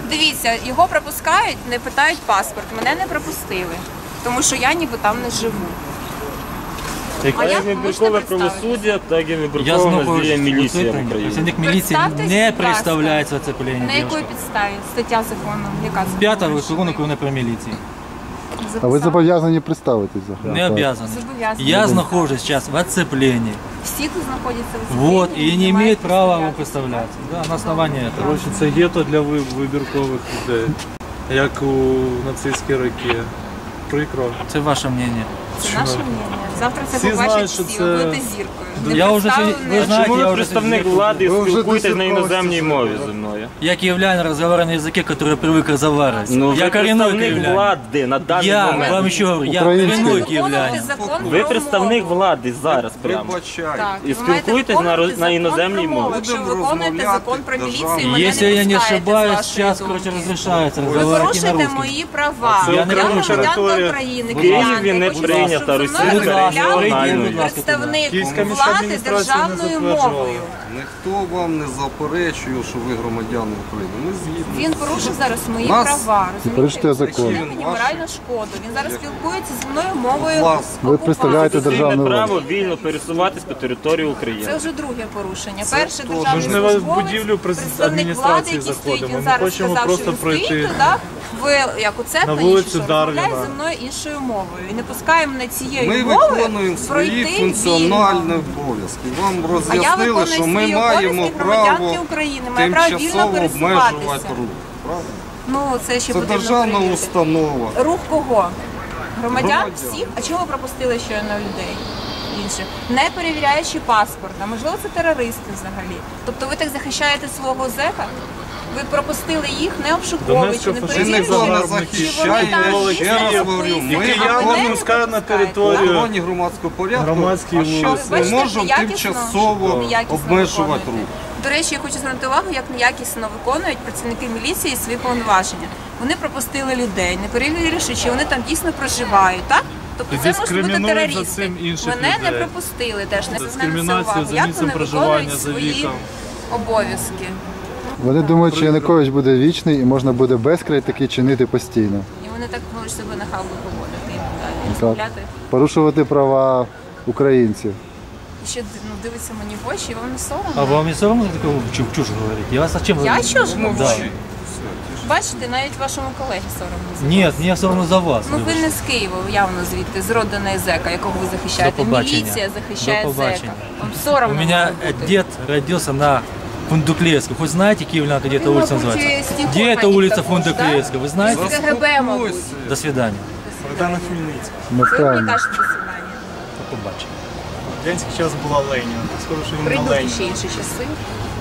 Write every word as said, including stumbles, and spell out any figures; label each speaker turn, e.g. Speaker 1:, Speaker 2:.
Speaker 1: дивіться, його пропускають, не питають паспорт. Мене не пропустили, тому що я ніби там не живу.
Speaker 2: А як вибіркове правосуддя, так і вибіркове наздіє міліція в Україні.
Speaker 3: Працівник міліції не представляється оцеплення.
Speaker 1: На якої підставі? Стаття закону, яка закону?
Speaker 3: П'ята закону України про міліцію.
Speaker 4: А ви зобов'язані представитись?
Speaker 3: Не обязаны.
Speaker 1: Зобов'язані.
Speaker 3: Я нахожусь сейчас в оцеплении.
Speaker 1: Всі тут знаходяться в оцепленні.
Speaker 3: Вот, и не имеет права вам представляться. Да, на основании этого.
Speaker 5: Коротше, це гетто для ви- вибіркових людей, як у нацистські роки. Прикро.
Speaker 3: Это ваше мнение.
Speaker 1: Це наше мнення. Завтра це
Speaker 5: Всі
Speaker 1: побачать
Speaker 5: знають, що
Speaker 1: всі,
Speaker 5: це-
Speaker 1: ви будете зіркою.
Speaker 3: Я вже сьогодні- ви знаєте,
Speaker 2: Чому
Speaker 3: я
Speaker 2: ви
Speaker 3: вже
Speaker 2: представник
Speaker 3: сьогодні-
Speaker 2: влади
Speaker 4: Ви вже
Speaker 2: спілкуєтесь на
Speaker 4: десять
Speaker 2: іноземній
Speaker 4: років
Speaker 2: мові
Speaker 4: сидите.
Speaker 2: зі мною?
Speaker 3: Я киевлянин, разговариваю на языке, который я привык разговаривать.
Speaker 2: Ну,
Speaker 3: я
Speaker 2: ви
Speaker 3: коренной
Speaker 2: представник
Speaker 3: киевлянин.
Speaker 2: влади на даний
Speaker 3: Я
Speaker 2: момент.
Speaker 3: вам еще говорю, я
Speaker 4: Український.
Speaker 3: коренной
Speaker 1: Виконувати
Speaker 3: киевлянин.
Speaker 1: закон
Speaker 2: Ви
Speaker 1: про
Speaker 2: представник
Speaker 1: мову.
Speaker 2: влади зараз прямо.
Speaker 6: Вибачайте.
Speaker 1: Так,
Speaker 2: І
Speaker 1: ви маєте
Speaker 2: спілкуєтесь на
Speaker 1: виконувати
Speaker 2: роз- на
Speaker 1: закон
Speaker 2: іноземній
Speaker 1: про мову.
Speaker 2: мові.
Speaker 1: Якщо ви
Speaker 6: Будемо
Speaker 1: виконуєте
Speaker 6: розмовляти
Speaker 1: закон про
Speaker 6: державною.
Speaker 1: міліцію, мене
Speaker 3: Если
Speaker 1: не
Speaker 3: я не
Speaker 1: пускаєте, з
Speaker 3: ошибаюсь,
Speaker 1: вашої
Speaker 3: сейчас,
Speaker 1: думки.
Speaker 3: короче, разрешается
Speaker 1: Ви
Speaker 3: разговаривать и на
Speaker 1: порушуєте
Speaker 3: русском.
Speaker 1: мої права.
Speaker 5: Це
Speaker 1: Я
Speaker 5: окрема
Speaker 1: громадянка
Speaker 5: територія.
Speaker 1: України.
Speaker 2: В Києві
Speaker 1: киянка,
Speaker 2: не
Speaker 1: я хочу,
Speaker 2: прийнята
Speaker 1: щоб зі мною
Speaker 2: російська
Speaker 1: розмовляв
Speaker 2: національна.
Speaker 1: представник
Speaker 5: Київська міська
Speaker 1: влади
Speaker 5: адміністрація не
Speaker 1: державною
Speaker 5: затверджувала.
Speaker 1: мовою.
Speaker 6: Ніхто вам не заперечує, що ви громадяни України. Ми згідні.
Speaker 1: Він порушив зараз мої
Speaker 6: Нас-
Speaker 1: права.
Speaker 4: порушуєте
Speaker 1: Розумієте?
Speaker 4: закон.
Speaker 1: Причинив мені моральну шкоду. Він зараз спілкується зі мною мовою.
Speaker 6: Вас.
Speaker 4: Ви представляєте
Speaker 1: окупації.
Speaker 4: державну
Speaker 2: Конституційне
Speaker 4: владу.
Speaker 2: право вільно пересуватись по території України.
Speaker 1: Це вже друге порушення. Перше
Speaker 6: теж.
Speaker 1: державний
Speaker 5: Ми ж не в
Speaker 1: службовець,
Speaker 5: будівлю през-
Speaker 1: представник
Speaker 5: адміністрації
Speaker 1: влади, який стоїть,
Speaker 5: заходимо.
Speaker 1: він
Speaker 5: Ми
Speaker 1: зараз
Speaker 5: хочемо
Speaker 1: сказав,
Speaker 5: просто
Speaker 1: що він
Speaker 5: пройти
Speaker 1: стоїть туди, в як у
Speaker 5: на
Speaker 1: Цеплені,
Speaker 5: вулицю
Speaker 1: що розмовляє
Speaker 5: Дарвіна.
Speaker 1: зі мною іншою мовою. І не пускає мене цією
Speaker 6: Ми
Speaker 1: мовою
Speaker 6: виконуємо свої
Speaker 1: пройти
Speaker 6: функціональні
Speaker 1: вільно.
Speaker 6: обов'язки. Вам
Speaker 1: А я
Speaker 6: роз'яснили,
Speaker 1: виконую
Speaker 6: що ми
Speaker 1: свої
Speaker 6: маємо
Speaker 1: обов'язки
Speaker 6: право
Speaker 1: громадянки України, маю право вільно
Speaker 6: тимчасово
Speaker 1: пересуватися.
Speaker 6: обмежувати рух. Правда?
Speaker 1: Ну, це ще
Speaker 6: Це
Speaker 1: потрібно
Speaker 6: державна
Speaker 1: перевірити.
Speaker 6: установа.
Speaker 1: Рух кого? Громадян
Speaker 6: Громадян.
Speaker 1: всіх? А чому ви пропустили щойно людей інших? Не перевіряючи паспорт. А можливо, це терористи взагалі. Тобто ви так захищаєте свого зека? Ви пропустили їх, не обшуковуючи,
Speaker 5: Донецька
Speaker 1: не
Speaker 5: фашистська
Speaker 6: Ми ніхто
Speaker 1: перевіряючи,
Speaker 6: не
Speaker 5: загарбники.
Speaker 1: чи вони
Speaker 6: захищає,
Speaker 1: там
Speaker 6: я
Speaker 1: дійсно
Speaker 6: ще раз говорю.
Speaker 1: записані.
Speaker 6: Ми
Speaker 1: А
Speaker 5: я
Speaker 1: мене
Speaker 5: вам
Speaker 1: не
Speaker 5: скажу на
Speaker 1: пропускаєте.
Speaker 5: територію.
Speaker 6: в охороні громадського порядку,
Speaker 5: Громадські
Speaker 6: а
Speaker 5: вулиці.
Speaker 6: зараз ми
Speaker 1: Бачите,
Speaker 6: можемо
Speaker 1: неякісно,
Speaker 6: тимчасово
Speaker 1: неякісно
Speaker 6: обмежувати
Speaker 1: виконуєте.
Speaker 6: рух.
Speaker 1: До речі, я хочу звернути увагу, як неякісно виконують працівники міліції свої повноваження. Вони пропустили людей, не перевіривши, чи вони там дійсно проживають, так? Тобто це можуть бути
Speaker 5: Дискримінують за
Speaker 1: терористи.
Speaker 5: цим інших
Speaker 1: Мене не
Speaker 5: людей.
Speaker 1: пропустили теж, не звернути на це
Speaker 5: Дискримінація
Speaker 1: увагу.
Speaker 5: за
Speaker 1: Як
Speaker 5: місцем
Speaker 1: вони
Speaker 5: проживання,
Speaker 1: виконують
Speaker 5: за
Speaker 1: свої
Speaker 5: віком.
Speaker 1: обов'язки.
Speaker 4: Вони думають, що Янукович буде вічний і можна буде безкрай таки чинити постійно.
Speaker 1: І вони так можуть себе нахабно поводити і далі.
Speaker 4: Так.
Speaker 1: Розмовляти.
Speaker 4: Порушувати права українців.
Speaker 1: І ще ну, дивиться мені в очі, і вам не соромно.
Speaker 3: А вам не соромно такого чушь, чушь говорить? Я вас зачем
Speaker 1: Я
Speaker 3: говорю?
Speaker 1: чушь говорю?
Speaker 3: Да.
Speaker 1: Бачите, навіть вашому колегі соромно.
Speaker 3: Нет, мне соромно за вас.
Speaker 1: Ну ви
Speaker 3: вибачте.
Speaker 1: не з Києва, явно звідти, з родини зека, якого ви захищаєте.
Speaker 3: До побачення.
Speaker 1: Міліція захищає
Speaker 3: До
Speaker 1: зека.
Speaker 3: побачення.
Speaker 1: Вам
Speaker 3: У
Speaker 1: соромно
Speaker 3: меня
Speaker 1: має бути.
Speaker 3: дед родился на Фундуклеевской. Хоть знаете, Киевлянка, где эта
Speaker 1: Вы,
Speaker 3: улица
Speaker 1: мабуть,
Speaker 3: называется?
Speaker 1: з Тихоня
Speaker 3: Где эта улица
Speaker 1: також,
Speaker 3: Фундуклеевская? Вы знаете?
Speaker 1: З КГБ, мабуть.
Speaker 3: До свидания.
Speaker 5: Богдана Хмельницького.
Speaker 4: Ми
Speaker 1: Ви мені
Speaker 4: впевнені.
Speaker 1: кажете до свидання.
Speaker 3: До побачення.
Speaker 5: Радянський час була Леніна. Скоро, що він на
Speaker 1: Прийдуть
Speaker 5: Леніна.
Speaker 1: ще інші часи.